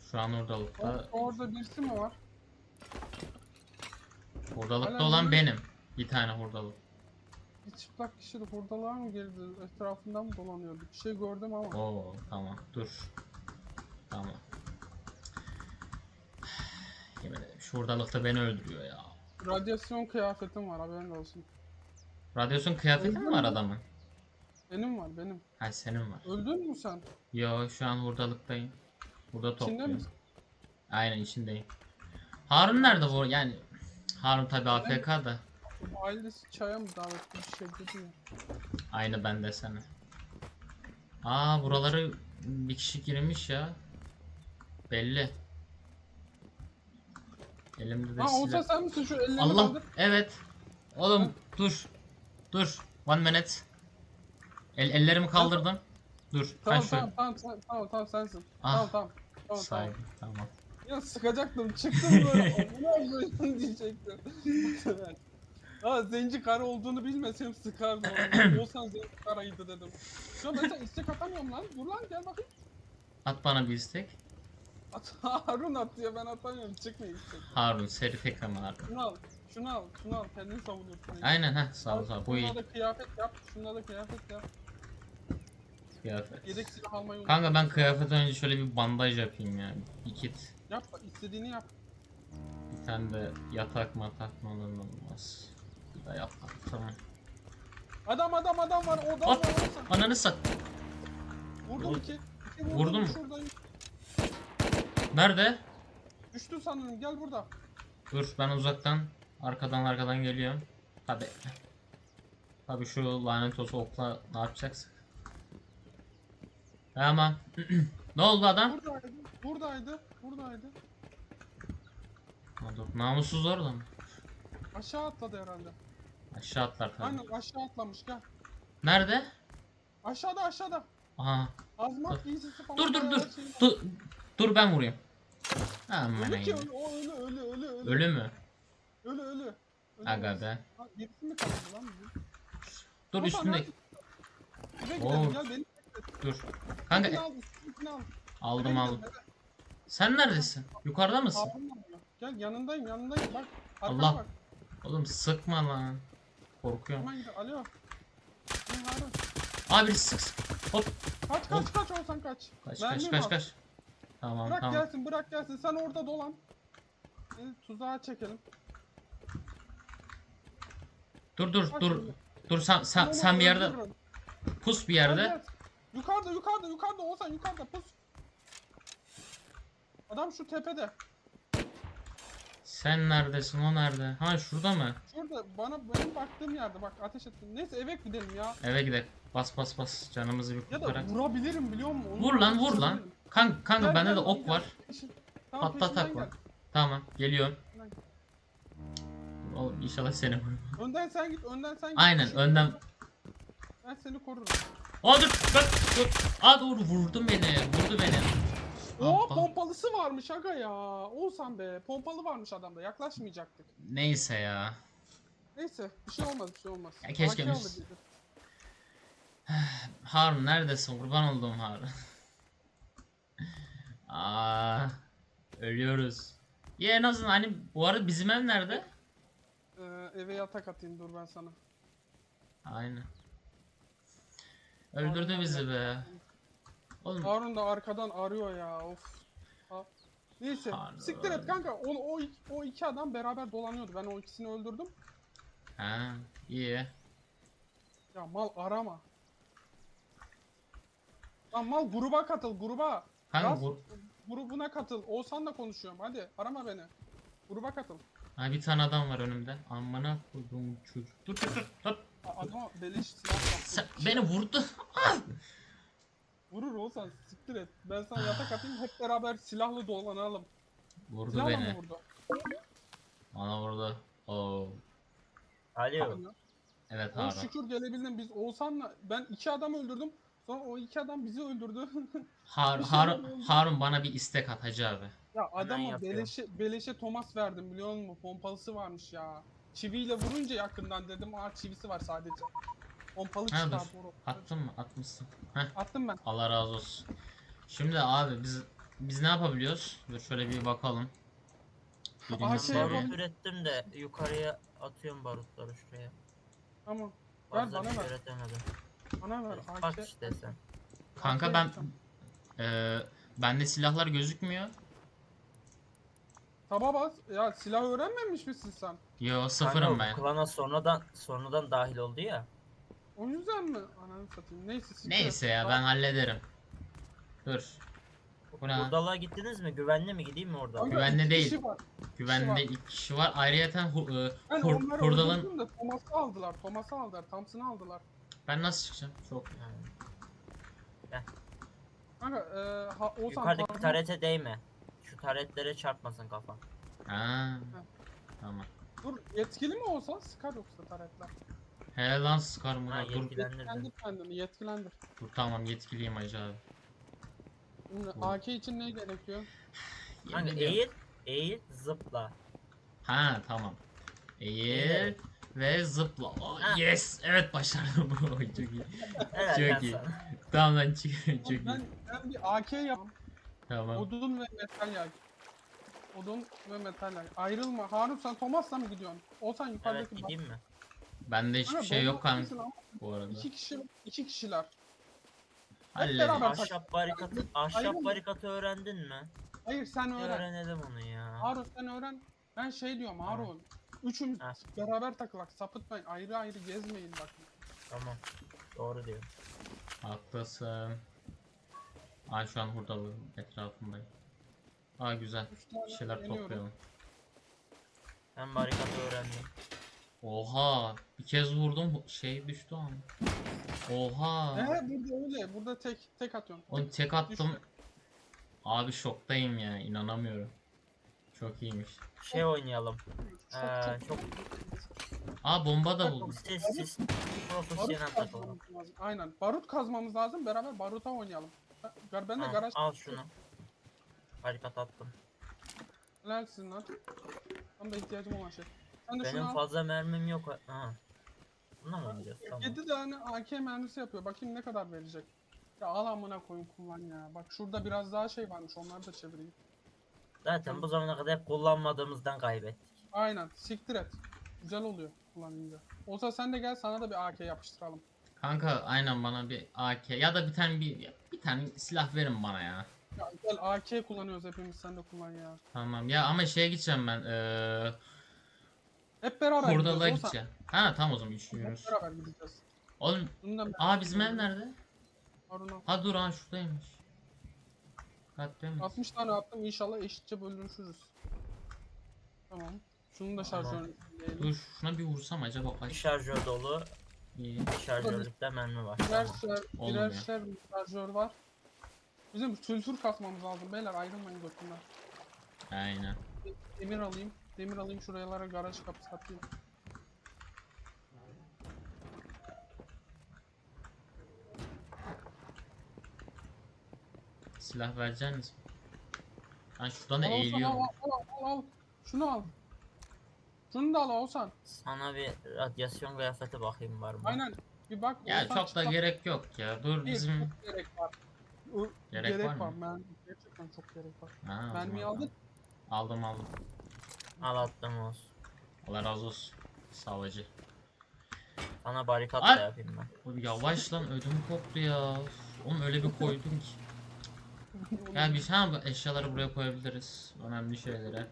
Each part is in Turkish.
Şu an hurdalıkta. Orada birisi mi var? Hurdalıkta Hala olan ne? benim. Bir tane hurdalık. Bir çıplak kişi de hurdalığa mı girdi? Etrafından mı dolanıyordu? Bir şey gördüm ama. Oo tamam dur. Tamam. Yemin ederim şu hurdalıkta beni öldürüyor ya. Radyasyon kıyafetim var, haberin olsun. Radyasyon kıyafeti mi Öldün var mü? adamın? Benim var, benim. Ha senin var. Öldün mü sen? Yo şu an hurdalıktayım. Burada İçinde topluyorum. misin? Aynen içindeyim. Harun nerede bu? Yani Harun tabi AFK da. Ailesi çaya mı davetli bir şey dedi ya. Aynı ben de sana. Aa buraları bir kişi girmiş ya. Belli. Elimde de Ha olsa silah. sen misin, şu ellerini Allah kaldır. evet. Oğlum dur. Dur. One minute. Ellerimi kaldırdım. Dur. Tamam Kaç tamam tamam tamam sensin. Ah. Tamam. Saygı. Tamam. Ya sıkacaktım, çıktım böyle. Amına koyayım diyecektim. Ha zenci karı olduğunu bilmesem sıkardım onu. Olsan zenci karaydı dedim. Şu an ben sana istek atamıyorum lan. Dur lan, gel bakayım. At bana bir istek. Harun at diyor, ben atamıyorum. Çıkmıyor istek. Harun seri tekrar Harun. Şunu al. Kendini savunuyorsun. Aynen ha sağ ol sağ ol. Bu iyi. Şunlara da kıyafet yap. Şunlara da kıyafet yap. Kıyafet. Yedek silah almayı unutma. Kanka ben kıyafetten önce şöyle bir bandaj yapayım ya. Bir kit. Yap, istediğini yap. Bir tane de yatak matak mı olur mu olmaz. Bir de yatak tamam. Adam var. Adam var. Hop! Ananı sat. Vurdum iki. Vurdun mu? Şuradayım. Nerede? Düştü sanırım. Gel burada. Dur ben uzaktan arkadan geliyorum. Tabi şu lanet olsun okla ne yapacaksın? Tamam. Ne oldu adam? Buradaydı. Ha, dur. Namussuz orada mı? Aşağı atladı herhalde. Aşağı atlar tabii. Aynen aşağı atlamış, gel. Nerede? Aşağıda. Aha. Azmat giysisi falan. Dur her şey var. dur. Dur ben vurayım. Aman Ölü ki ayım. o ölü. Ölü mü? Ölü. Aga be. Ha, birisi mi kaldı lan bizim? Dur Hasan, üstünde. hadi. Eve Oo. gidelim, gel beni. Dur. Kanka Kanka al, üstünkini al. aldım Eve aldım. gidelim, eve. Sen neredesin? Yukarıda mısın? Harun arıyor. Gel, yanındayım. Bak. Arkana Allah. bak. Oğlum sıkma lan. Korkuyorum. Hemen gidelim. Alo. Ne Harun? Abi sık sık. Hop. Kaç olsan kaç. Kaç Mermim kaç var. kaç. Tamam Bırak tamam. gelsin. Sen orada dolan. Tuzağa çekelim. Dur Bak dur. şimdi. Dur Ben onu sen bir yerde öldürürüm. pus bir Gel, yerde. gel. Yukarıda olsan yukarıda pus. Adam şu tepede. Sen neredesin? O nerede? Ha şurada mı? Şurada benim baktığım yerde, bak ateş ettim. Neyse eve gidelim ya. Eve gidelim. Bas. Canımızı bir Ya da kurtarak. vurabilirim biliyor musun? Onu Vur lan. vurabilirim. Kanka Gel, bende gel de lan, ok gel. var. Tamam, Patlatak peşinden var. gel. Tamam geliyorum. Peşinden gel. Oğlum inşallah seni vurmam. Önden sen git. Aynen Şu- önden. Ben seni korurum. Aa dur. Aa dur vurdu beni. Oo, Abba. pompalısı varmış aga ya. Olsan be. Pompalı varmış adamda. Yaklaşmayacaktık. Neyse ya. Neyse, bir şey olmaz. Ya keşke AK biz- alır dedi. Harun neredesin? Kurban olduğum Harun. Aa, ölüyoruz. Ya en azından hani bu arada bizim ev nerede? Eve yatak atayım, dur ben sana. Aynen. Öldürdü Harun bizi abi. be. Oğlum Harun da arkadan arıyor ya, of. Neyse, Harun. siktir et kanka. O iki adam beraber dolanıyordu. Ben o ikisini öldürdüm. ha iyi. Ya mal arama. Lan mal, gruba katıl, gruba. Kanka Yaz, vur. grubuna katıl. Oğuzhan'la konuşuyorum. Hadi arama beni. Gruba katıl. Ha bir tane adam var önümde. Amına koyduğum çocuk. Dur. Adama beleş silah yaptı. Sen beni vurdu. Vurur Oğuzhan, siktir et. Ben sana yatak atayım, hep beraber silahlı dolanalım. Vurdu Silahla mı beni. vurdu? Bana vurdu. Oo. Alo. Evet Oğlum Harun. şükür gelebildim. Biz Oğuzhan'la, ben iki adam öldürdüm. Sonra o iki adam bizi öldürdü. Bir şeyler oldu. Harun bana bir istek at Hacı abi. Ya adama yapıyorum. beleşe Thomas verdim biliyor musun? Pompalısı varmış ya. Çiviyle vurunca yakından dedim. Aa, çivisi var sadece. Pompalı Ha çıktı dur. abi. Attın mı? Atmışsın. Heh. Attım ben. Allah razı olsun. Şimdi abi biz biz ne yapabiliyoruz? Dur şöyle bir bakalım. Birinci Aha, Ben şey seviye. yapalım. barut ürettim de yukarıya atıyorum barutları şuraya. Tamam. Ver Fazla bana bir şey ver. üretemedim. Bana ver. Bak AK. işte sen. Kanka AK ben yapacağım. bende silahlar gözükmüyor. Taba bas. Ya silah öğrenmemiş misin sen? Yo, Kanka sıfırım bu ben. klana sonradan dahil oldu ya. O yüzden mi? Ananı satayım. Neyse siktir et. Neyse ya, ben hallederim. Dur. Bu ne? Buradalığa gittiniz mi? Güvenli mi? Gideyim mi orada? Kanka, Güvenli iki değil. kişi var. Güvende 2 kişi var. Ayrıyeten Ben onları hurdalın... öldürdüm de Thomas'ı aldılar. Thomas'ı aldılar. Thompson'ı aldılar. Ben nasıl çıkacağım? Çok. Yani. Kanka Oğuzhan Yukarıdaki Thompson- tarete değme. Şu taretlere çarpmasın kafan. Ha. Tamam. Dur yetkili mi olsa sıkar yoksa taretler. He lan, sıkar mı? Ha, Dur. yetkilendirdin. Yetkilendir kendini yetkilendir. Dur, tamam, yetkiliyim hacı abi. Şimdi Bu- AK için ne gerekiyor? Kanka Yemin ediyorum. eğil, zıpla. Ha, tamam. Eğil Eğil. ve zıpla. Oh, Ha. yes. Evet, başardım. Oy, çok iyi. Evet Çok ben iyi. sana. Tamam lan, çok iyi. Ben bir AK yapam. Tamam. Odun ve metal yay. Odun ve metal yay. Ayrılma. Harun sen Thomas'la mı gidiyorsun? Olsan Evet yukarıdaki gideyim mi? Bende hiçbir Kanka, şey yok bomba kanka atmışsın ama bu arada. iki kişiler. Halledin. beraber- Ahşap Ayrılma. barikatı öğrendin mi? Hayır sen Bir öğren. öğrenelim onu ya. Harun sen öğren. Ben şey diyorum Harun. Üçümüz Ha. beraber takılak. Sapıtmayın. Ayrı ayrı gezmeyin bakın. Tamam. Doğru diyor. Haklısın. Ay, şu an hurdalı etrafındayım. Aa, güzel. Üç tane Bir şeyler deniyorum. toplayalım. Ben barikatı öğrendim. Oha, bir kez vurdum, şey düştü ama. Oha. Burada öyle. Burada tek atıyorum. Onu tek attım. Düşme. Abi şoktayım ya, inanamıyorum. Çok iyiymiş. Şey oynayalım. Çok Çok Aa, bomba da buldum. sessiz barut profesyonel takılalım. kazmamız lazım. Aynen. Barut kazmamız lazım. Beraber baruta oynayalım. Ben de Al, garaj al şunu. Barikat attım. helalsin lan. Tam da ihtiyacım olan şey. Sen de Benim şunu al. fazla mermim yok. Ha. Buna mı oynayacağız? Tamam. 7 tane AK mermisi yapıyor. Bakayım ne kadar verecek. Ya al amına koyun kullan ya. Bak şurada biraz daha şey varmış. Onları da çevireyim. Zaten bu zamana kadar hep kullanmadığımızdan kaybettik. Aynen. Siktir et. Güzel oluyor kullanınca. Olsa sen de gel sana da bir AK yapıştıralım. Kanka aynen, bana bir AK ya da bir tane silah verin bana ya. Ya gel AK kullanıyoruz hepimiz. Sen de kullan ya. Tamam ya, ama şeye gideceğim ben. Hep beraber Hurdalığa gidiyoruz. Olsa gideceğim. Ha tamam, o zaman hep üçlüyoruz. beraber gideceğiz. Oğlum, Bundan bizim ev nerede? Harun al. Ha dur, ha şuradaymış. Dikkatli mi? 60 tane attım. İnşallah eşitçe bölüşürüz. Tamam. Şunun da Tamam. şarjörünü diyelim. Dur, şuna bir vursam acaba Bir kaç? şarjör dolu, İyi. bir şarjörlükte mermi var. Birer Tamam. Olmuyor. şarjör var. Bizim sülfür kasmamız lazım beyler, ayrılmayın götünden. Aynen. Demir alayım. Demir alayım, şuralara garaj kapısı atayım. Silah vereceksiniz mi? Ben şuradan da Al Oğuzhan, eğiliyorum. al. Şunu al. Şunu da al Oğuzhan. Sana bir radyasyon kıyafeti bakayım var mı? Aynen. Bir bak. Ya Oğuzhan çok da çıkar. gerek yok ya. Dur, Değil, bizim... çok gerek var. Gerek var mı? Gerçekten çok gerek var. Ha, o Mermiyi zaman aldık. tamam. Aldım. Al attım olsun. Allah razı olsun. Savcı. Sana barikat Ay! da yapayım ben. Oğlum yavaş lan, ödüm koptu ya. Oğlum öyle bir koydum ki. Ya bir şey, bu eşyaları buraya koyabiliriz. Önemli şeylere.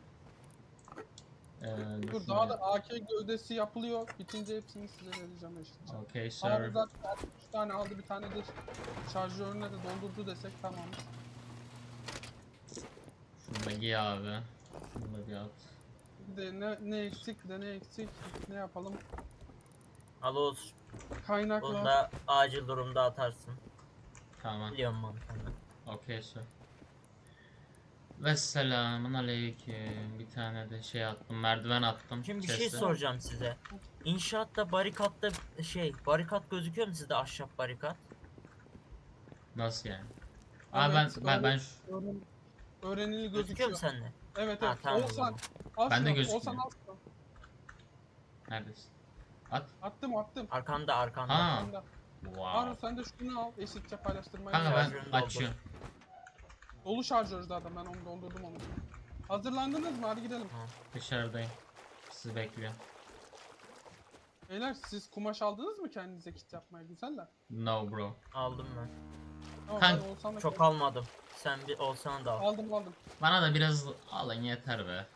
Dur, daha da AK gövdesi yapılıyor. Bitince hepsini size vereceğim eşitçe. Okay Harun sir. zaten 63 tane aldı, bir tane de şarjörüne de doldurdu desek tamam. Şunu da giy abi. Şunu da bir at. Bir de ne eksik, bir de ne eksik, ne yapalım? Al olsun. Kaynakla. Bunu da acil durumda atarsın. Tamam. Biliyorum mantığını. Okay sir. Ve selamun aleyküm. Bir tane de şey attım. Merdiven attım. Şimdi bir şey chest'e. soracağım size. İnşaatta barikatta barikat gözüküyor mu sizde, ahşap barikat? Nasıl yani? Evet, Ben öğrenili Gözüküyor gözüküyor. mu sende? Evet Ha evet. tamam o Oğuzhan zaman. al Bende şunu. gözükmüyor. Oğuzhan al şunu. neredesin? At. Attım. Arkanda. Ha. Arkanda. Wow. Harun sen de şunu al. Eşitçe paylaştırmayı. Kanka ben Şarjörünü doldur. açıyorum. Dolu şarjör zaten, ben onu doldurdum onu. Hazırlandınız mı? Hadi gidelim. Dışarıdayım. Sizi bekliyorum. Beyler siz kumaş aldınız mı kendinize kit yapmaya, güzeller? No bro. Aldım ben. Tamam Kanka, ben Oğuzhan'la Çok almadım. Sen bir olsan da al. aldım. Bana da biraz alın yeter be.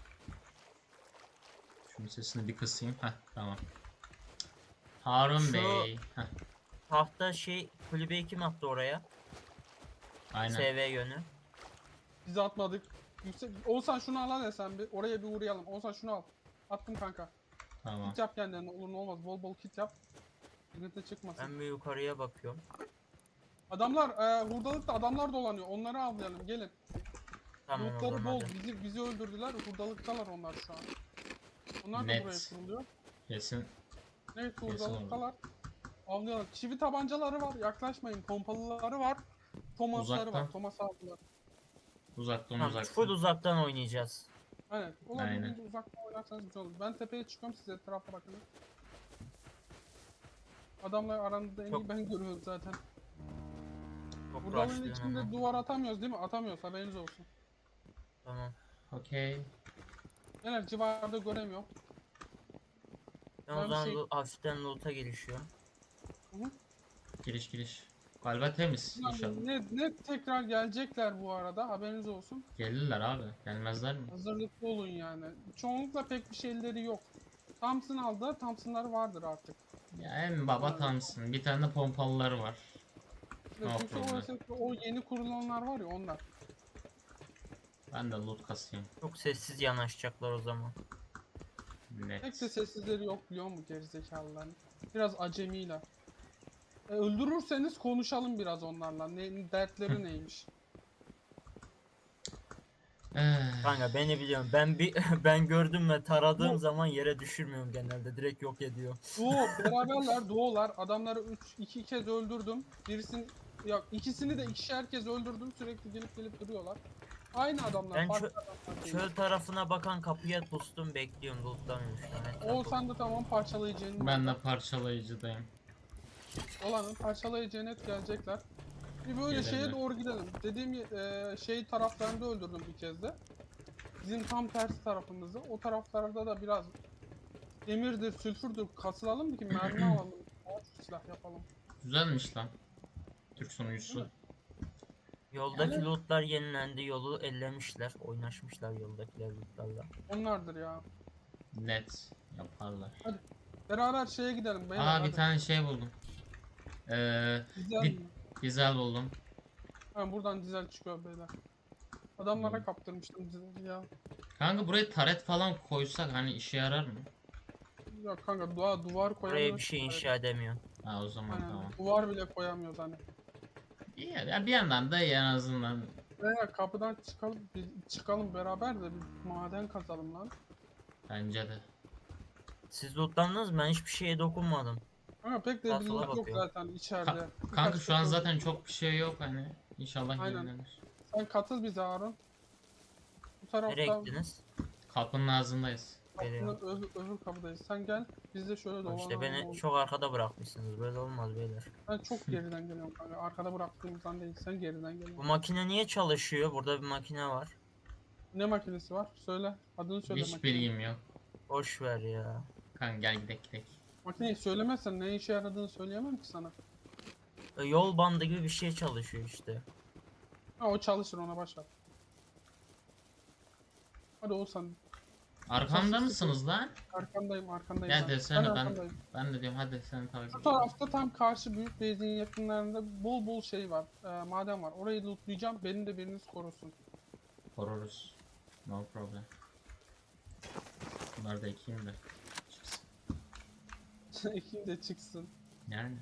Şunun sesini bir kısayım. Heh tamam. Harun Şu- Bey. Heh, Tahta şey kulübeyi kim attı oraya? aynen. SV yönü. Biz atmadık. Oğuzhan şunu al hadi sen bir. Oraya bir uğrayalım. Oğuzhan şunu al. Attım kanka. Tamam. Kit yap kendine, olur ne olmaz. Bol bol kit yap. Sıkıntı çıkmasın. Ben bir yukarıya bakıyorum. Adamlar hurdalıkta adamlar dolanıyor. Onları avlayalım. Gelin. Tamam o Lootları zaman bol. hadi. Bizi öldürdüler. Hurdalıktalar onlar şu an. Onlar da Net. buraya kuruluyor. Kesin. Evet Kesin hurdalıktalar. Avlayalım. Çivi tabancaları var. Yaklaşmayın. Pompalıları var. Thomas'ları Uzaktan. var. Thomas aldılar. Uzaktan Tamam, uzaktan. full uzaktan oynayacağız. Aynen. Olabildiğince Aynen. uzaktan oynarsanız güzel olur. Ben tepeye çıkıyorum, siz etrafa bakın. Adamlar aranızda en iyi Çok- ben görüyorum zaten. Çok Hurdanın rushlıyorum içinde ama. duvar atamıyoruz değil mi? Atamıyoruz, haberiniz olsun. Tamam. Okey. Genel civarda göremiyorum. Ben Ben o bir zaman şey- hafiften loot'a girişiyorum. Giriş. Galiba temiz inşallah. Ne tekrar gelecekler bu arada, haberiniz olsun. Gelirler abi. Gelmezler mi? Hazırlıklı olun yani. Çoğunlukla pek bir şeyleri yok. Thompson aldı, Thompson'ları vardır artık. Ya en baba tamsın. Bir tane de pompalıları var. No Çünkü problem. o yeni kurulanlar var ya, onlar. Ben de loot kasayım. Çok sessiz yanaşacaklar o zaman. Pek de Net. sessizleri yok biliyor musun gerizekalıların? Biraz acemiyle. Öldürürseniz konuşalım biraz onlarla. Dertleri neymiş? Kanka beni biliyorum. Ben gördüm ve taradığım Bu- zaman yere düşürmüyorum genelde. Direkt yok ediyor. Beraberler, doğular. Adamları iki kez öldürdüm. İkisini de ikişer kez öldürdüm. Sürekli gelip duruyorlar. Aynı adamlar. Ben farklı adamlar değil. Çöl tarafına bakan kapıya pustum, bekliyorum. Lootlamıyorum şu an. Oğuzhan da tamam parçalayıcının. Ben de parçalayıcıdayım. Olanın parçalayıcı net gelecekler. Bir böyle Gelirler. şeye doğru gidelim. Dediğim şey taraflarında öldürdüm bir kez de. Bizim tam tersi tarafımızda. O taraflarda da biraz demirdir, sülfürdür kasılalım ki mermi alalım. Silah yapalım. Güzelmiş lan. Türk sunucusu. Yoldaki Yani- lootlar yenilendi. Yolu ellemişler. Oynaşmışlar yoldakiler lootlarla. Onlardır ya. Net. Yaparlar. Beraber şeye gidelim beyler. Aa bir hadi. tane şey buldum. Dizel bir- mi? Güzel buldum. Ha, buradan dizel çıkıyor beyler. Adamlara Hmm. kaptırmıştım dizeli ya. Kanka buraya taret falan koysak hani işe yarar mı? Ya kanka duvar Buraya koyamıyoruz. bir şey inşa edemiyor. Ha o zaman Aynen, tamam. duvar bile koyamıyoruz hani. İyi ya bir yandan da iyi en azından. Beyler kapıdan çıkalım beraber de bir maden kazalım lan. Bence de. Siz lootlandınız mı? Ben hiçbir şeye dokunmadım. Ama pek de Sağa bir sola loot yok bakıyorum. zaten içeride. Kanka Birkaç şu an şey zaten yok. çok bir şey yok hani. İnşallah Aynen. yenilenir. Sen katıl bize Harun. Bu Nereye tarafta gittiniz? Kapının ağzındayız. Geliyorum. öbür kapıdayız. Sen gel, biz de şöyle Bak dolanalım. İşte beni oğlum. çok arkada bırakmışsınız. Böyle olmaz beyler. Ben çok geriden geliyorum kanka. Arkada bıraktığımızdan değil, sen geriden Bu geliyorsun. makine niye çalışıyor? Burada bir makine var. Ne makinesi var? Söyle. Adını söyle Hiç makinenin. bilgim yok. Boş ver ya. Kanka gel gidelim. Makineyi söylemezsen ne işe yaradığını söyleyemem ki sana. Yol bandı gibi bir şey çalışıyor işte. Ha o çalışır, ona başla. Hadi Oğuzhan. Arkamda Sessiz mısınız lan? Arkandayım Gel ben. desene ben arkandayım. ben de diyorum hadi sen takip Şu et. tarafta tam karşı büyük base'in yakınlarında bol şey var. Maden var. Orayı lootlayacağım. Beni de biriniz korusun. Koruruz. No problem. Bunları da ekeyim de. Çıksın. Ekin de çıksın. Yani.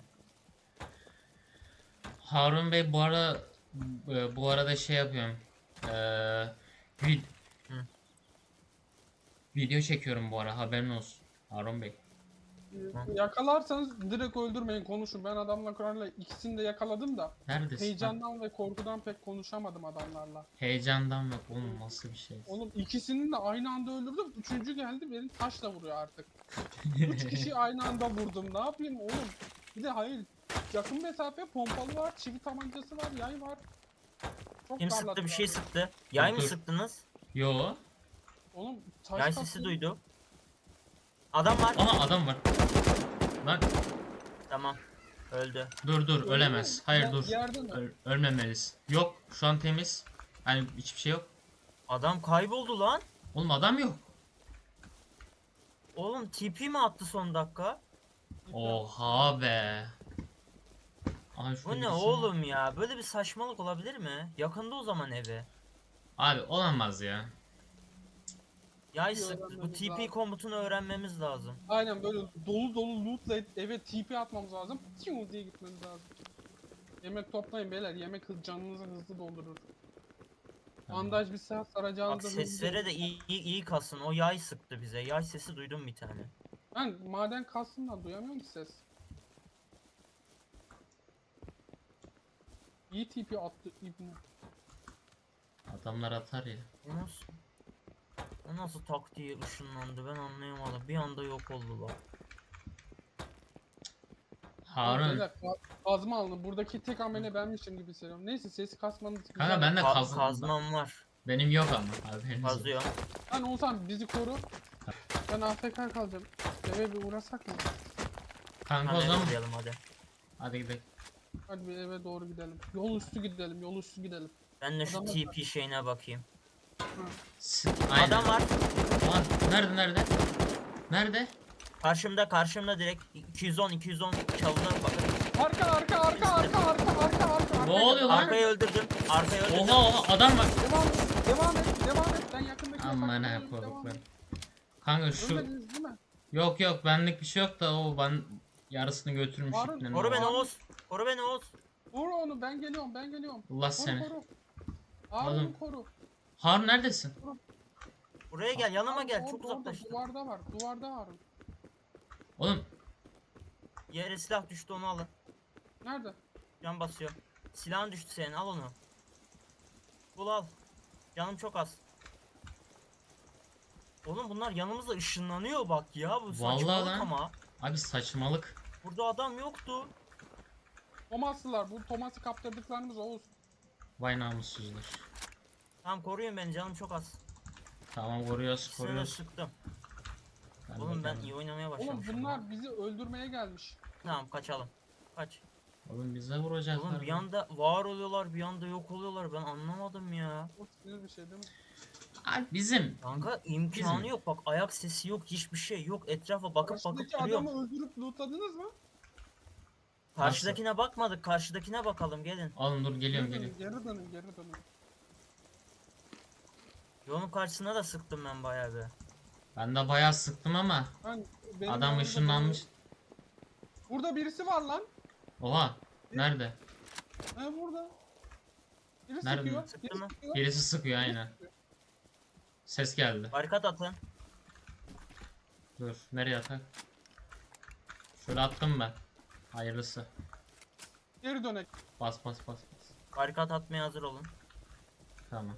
Harun Bey bu arada şey yapıyorum. Vid Hı. video çekiyorum bu ara haberin olsun. Harun Bey. Yakalarsanız direkt öldürmeyin, konuşun. Ben adamla Kur'an'la ikisini de yakaladım da Neredesin? heyecandan ve korkudan pek konuşamadım adamlarla. Heyecandan bak oğlum nasıl bir şey. Oğlum ikisini de aynı anda öldürdüm. Üçüncü geldi beni taşla vuruyor artık. Üç kişi aynı anda vurdum. Ne yapayım oğlum? Bir de hayır. Yakın mesafe pompalı var, çivi tabancası var, yay var. Çok Kim sıktı? darladılar Bir şey beni. sıktı. Yay mı Dur. sıktınız? Yo. Oğlum taş Yay kattı. sesi duydum. Adam var. Aha adam var. Lan Tamam. Öldü. dur Öyle ölemez. mi? Hayır dur. Yerde mi? Ölmemeliyiz. Yok şu an temiz. Yani hiçbir şey yok. Adam kayboldu lan. Oğlum adam yok. Oğlum TP mi attı son dakika? Oha be. Aha şurada Bu ne birisi var. oğlum ya? Böyle bir saçmalık olabilir mi? Yakında o zaman evi. Abi olamaz ya. Yay Bir sıktı. Bu öğrenmemiz TP lazım. komutunu öğrenmemiz lazım. Aynen böyle dolu dolu lootla eve TP atmamız lazım. Tiyo diye gitmemiz lazım. Yemek toplayın beyler. Yemek canınızı hızlı doldurur. Tamam. Bandaj bir saat Bak saracağınızı hızlı seslere de doldurur. iyi kasın. O yay sıktı bize. Yay sesi duydum bir tane. Ben maden kastımdan duyamıyorum ki ses. İyi TP attı İbni. Adamlar atar ya. O nasıl tak diye ışınlandı ben anlayamadım. Bir anda yok oldular. Harun. Beyler, kazma alın. Buradaki tek amele benmişim gibi hissediyorum. Neyse sesi kasmanız güzel. Kanka ben de Kazmam var. Benim yok ama haberiniz olsun. Kazıyor. Lan Oğuzhan bizi koru. Ben AFK kalacağım. Eve bir uğrasak mı? Kanka o Hadi zaman gidelim hadi. hadi gidelim. Hadi bir eve doğru gidelim. Yol üstü gidelim, yol üstü gidelim. Ben de şu Adamlar TP şeyine bakayım. Aynen. Adam var. Lan nerede? Nerede? Karşımda direkt 210 çalıda bakın. Arka. Ne oluyor lan? Arkayı öldürdüm. Oha adam var. Devam et. Ben yakındaki Aman ha yatakta devam korkma. et. Kanka şu Ölmediniz değil mi? yok benlik bir şey yok da o ben yarısını götürmüş Harun, iplerin Koru o. beni Oğuz. Koru beni Oğuz. Vur onu ben geliyorum. Allah Koru seni. koru. Harun'u Oğlum. koru. Harun neredesin? Buraya gel yanıma Harun, gel. orada, Çok orada, uzaklaştım. Duvarda Harun. Oğlum Yere silah düştü onu alın. Nerede? Can basıyor. Silahın düştü senin al onu. Bul al. Canım çok az. Oğlum bunlar yanımızda ışınlanıyor bak ya bu Vallahi saçmalık lan. ama. abi saçmalık. Burada adam yoktu. Thomas'lılar. Bu Thomas'ı kaptırdıklarımız Oğuz. Vay namussuzlar. Tamam koruyun beni canım çok az. Tamam koruyoruz İkisini de sıktım. Ben Oğlum de ben geldim. iyi oynamaya Oğlum başlamışım. bunlar bizi öldürmeye gelmiş. Tamam kaçalım. Kaç. Oğlum bize vuracaklar. Oğlum bir anda var oluyorlar bir anda yok oluyorlar ben anlamadım ya. O sinir bir şey değil mi? Abi bizim Kanka imkanı Bizim- yok bak ayak sesi yok hiçbir şey yok etrafa bakıp Karşıdaki duruyorum. adamı öldürüp lootladınız mı? Karşıdakine bakmadık karşıdakine bakalım gelin. oğlum dur geliyorum. Geri dönün. Yolun karşısına da sıktım ben bayağı bir. Ben de bayağı sıktım ama Benim adam yanımda ışınlanmış. Burada birisi var lan. Oha nerede? He burada. Biri Nerede? sıkıyor. Sıktı biri mı? sıkıyor. Birisi sıkıyor aynen. Ses geldi. Barikat atın. Dur nereye atak? Şöyle attım ben. Hayırlısı. Geri dönek. Bas. Barikat atmaya hazır olun. Tamam.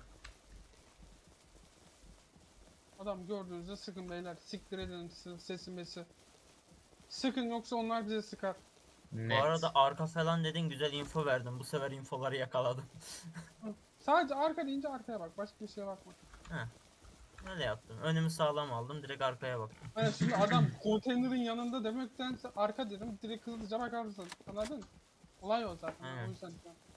Adam gördüğünüzde sıkın beyler. Siktir edin sesi mesi. Sıkın yoksa onlar bize sıkar. Net. Bu arada arka falan dedin güzel info verdim. Bu sefer infoları yakaladım. Sadece arka deyince arkaya bak. Başka bir şeye bakma. Öyle yaptım. Önümü sağlam aldım direkt arkaya baktım. Yani şimdi adam konteynerin yanında demektense arka dedim. Direkt hızlıca bakarsın. Anladın? Olay o zaten. Aynen. O yüzden.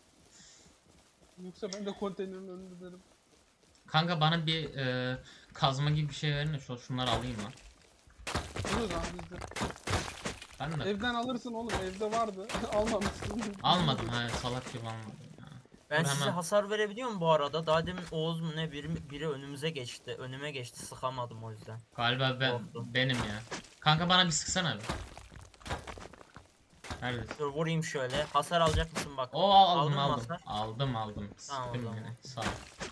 Yoksa ben de konteynerin önünde derim. Kanka bana bir kazma gibi bir şey verin de şunları alayım lan. Bunu da bizde. Ben de Evden alırsın oğlum. Evde vardı. Almamışsın. almadım ha salak gibi almadım ya. Ben Dur size hemen. hasar verebiliyor muyum bu arada? Daha demin Oğuz mu ne biri önümüze geçti. Önüme geçti sıkamadım o yüzden. Galiba Oldu. benim ya. Kanka bana bir sıksana bir. Neredesin? Dur vurayım şöyle. Hasar alacak mısın bak. Oo Aldın aldım mı aldım. hasar? Aldım. Tamam, o Sıktım zaman. yine. Sağ ol.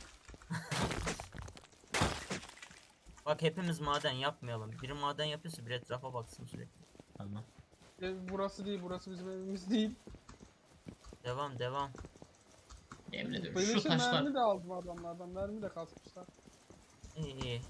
Bak hepimiz maden yapmayalım. Biri maden yapıyorsa bir etrafa baksın sürekli. Tamam. Ev burası değil. Burası bizim evimiz değil. Devam. Yemin ediyorum şu Beleşe taşlar. mermi de aldım adamlardan. Mermi de kasmışlar. İyi.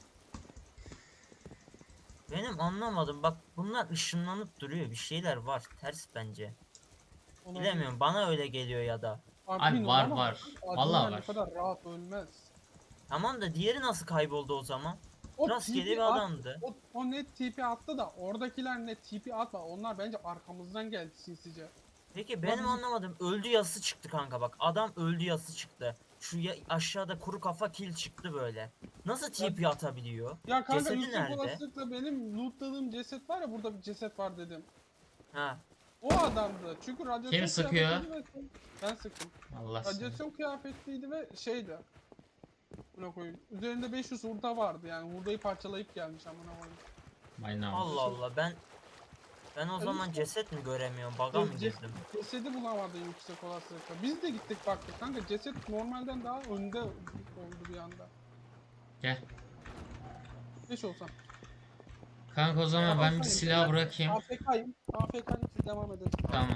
Benim anlamadım bak bunlar ışınlanıp duruyor bir şeyler var ters bence. Olabilir. Bilemiyorum bana öyle geliyor ya da. Admin var, olamaz. var. Adminler Vallahi bu var. kadar rahat ölmez. Tamam da diğeri nasıl kayboldu o zaman? O Rastgele TP bir at, adamdı. o net TP attı da oradakiler net TP atma. Onlar bence arkamızdan geldi sinsice. Peki benim bizim- anlamadım. Öldü yazısı çıktı kanka bak. Adam öldü yazısı çıktı. Şu aşağıda kuru kafa kill çıktı böyle. Nasıl TP atabiliyor? Ya kanka Cesedi yüksek nerede? olasılıkla benim lootladığım ceset var ya, burada bir ceset var dedim. Ha. O adamdı. Çünkü radyasyon Kim sıkıyor? kıyafetliydi ve ben sıktım. Allah seni. Radyasyon kıyafetliydi ve şeydi. Buna koyayım. Üzerinde 500 hurda vardı yani hurdayı parçalayıp gelmiş amına koyayım. My name. Allah Allah ben o zaman işte- ceset mi göremiyorum? Baga mı girdim? Cesedi bulamadı yüksek olasılıkla. Biz de gittik baktık kanka, ceset normalden daha önde oldu bir anda. Gel. 5 olsam. Kanka o zaman ben bir silah bırakayım. AFK'yim. AFK'yim, siz devam edin. Tamam.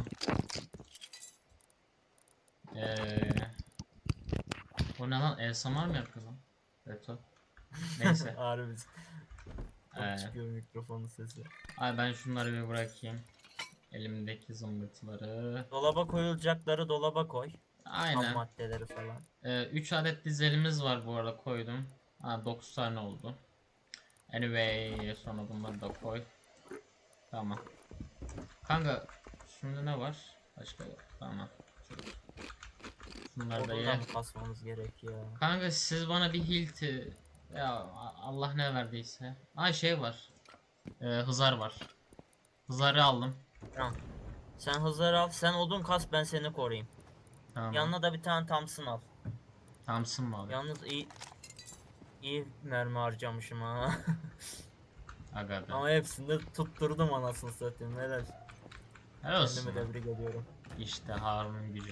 O ne lan? ASMR mı yapıyor lan? Beto. Neyse. Harbi. Ee. Çıkıyor mikrofonun sesi. Ay ben şunları bir bırakayım. Elimdeki zımbırtıları. Dolaba koyulacakları dolaba koy. Ham Aynen. maddeleri falan. 3 adet dizelimiz var bu arada, koydum. 9 tane oldu. Anyway sonra bunları da koy. Tamam. Kanka şimdi ne var? Başka yok. Tamam. Şunları da ye. Oradan basmamız gerekiyor. Kanka siz bana bir hilti ya Allah ne verdiyse. Şey var. Hızar var. Hızarı aldım. Tamam. Sen hızları al. Sen odun kas, ben seni koruyayım. Tamam. Yanına da bir tane Thompson al. Tamsın mı abi? Yalnız iyi mermi harcamışım ha. Aga be. Ama hepsini de tutturdum anasını satayım. Helal. Helal olsun. Kendimi lan. tebrik ediyorum. İşte Harun'un gücü.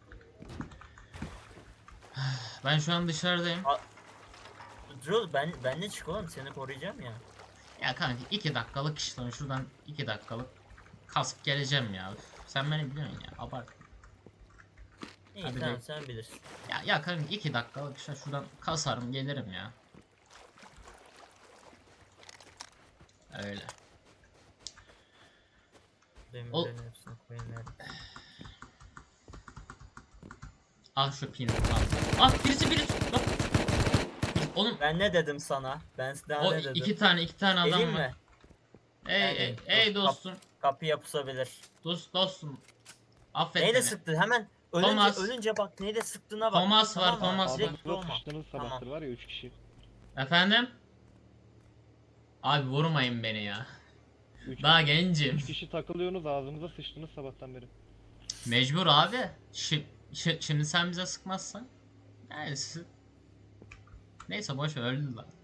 Ben şu an dışarıdayım. Drew ben de çık oğlum, seni koruyacağım ya. Ya kanka 2 dakikalık iş lan, şuradan 2 dakikalık kasıp geleceğim ya. Üf, sen beni biliyorsun ya, abart. İyi Hadi tamam be. sen bilirsin. Ya kanka 2 dakikalık iş, şuradan kasarım gelirim ya. Öyle. Demirlerin hepsini koyayım ya. Şu pin. Birisi. Bak. Oğlum Ben ne dedim sana? Ben daha o ne dedim? iki tane adam Geleyim var. mi? Ey Dur, dostum. Kapıya pusabilir. Dostum. Affet Neyle beni. sıktı? Hemen Thomas. ölünce bak neyle sıktığına bak. Thomas var, mı? Thomas Direkt var. vurma. Ağzınıza sıçtınız Tamam. sabahtır var ya 3 kişi. Efendim? Abi vurmayın beni ya. 3 Daha gencim. kişi takılıyorsunuz ağzınıza sıçtınız sabahtan beri. Mecbur abi. Şimdi sen bize sıkmazsan. Neyse boş ver, öldü lan.